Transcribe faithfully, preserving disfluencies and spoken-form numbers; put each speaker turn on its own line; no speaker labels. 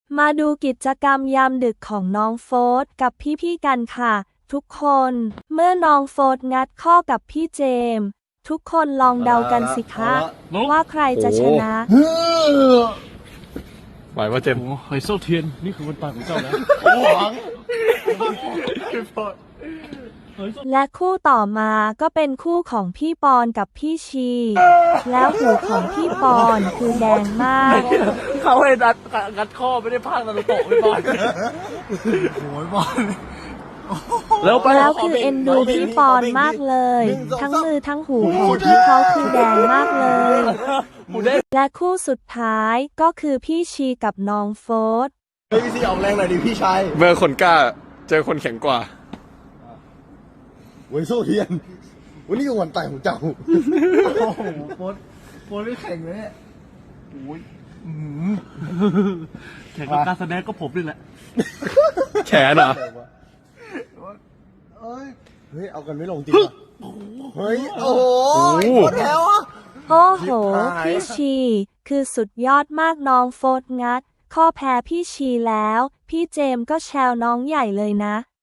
มาดูกิจกรรมยามดึกของน้องโฟร์ธกับพี่ๆกันค่ะทุกคนเมื่อน้องโฟร์ธงัดข้อกับพี่เจมส์ทุกคนลองเดากันสิคะว่าใครจะชนะ
ไหวว่าเจมส์
ไฮโซเทียนนี่คือวันตายของเจ้าแล้ว
และคู่ต่อมาก็เป็นคู่ของพี่ปอนกับพี่ชีแล้วหูของพี่ปอนคือแดงมาก
เขาให้ดัดงัดข้อไม่ได้พากนารูโตะไม่บอลโอ้ยบอล
แล้วคือเอ็นดูพี่ปอนมากเลยทั้งมือทั้งหูของพี่เขาคือแดงมากเลยและคู่สุดท้ายก็คือพี่ชีกับน้องโฟร์ธ
เฮ้ยพี่ซีออกแรงหน่อยดิพี่ชาย
เบอร์คนกล้าเจอคนแข็งกว่า
เว้ยโซเทียนวันนี้ก็วันตายของเจ้าโ
อ้โหโฟร์ธโฟร์ธไม่แข่งเลยเนี่ยโอ้ยแข่งกับการแสดงก็ผมนี่แหละ
แขนเหรอ
เฮ้ยเอากันไม่ลงจริงเฮ้ยโอ้โหหมดแล้วอ่ะ
โอ้โหพี่ชีคือสุดยอดมากน้องโฟร์ธงัดข้อแพ้พี่ชีแล้วพี่เจมส์ก็แชวน้องใหญ่เลยนะ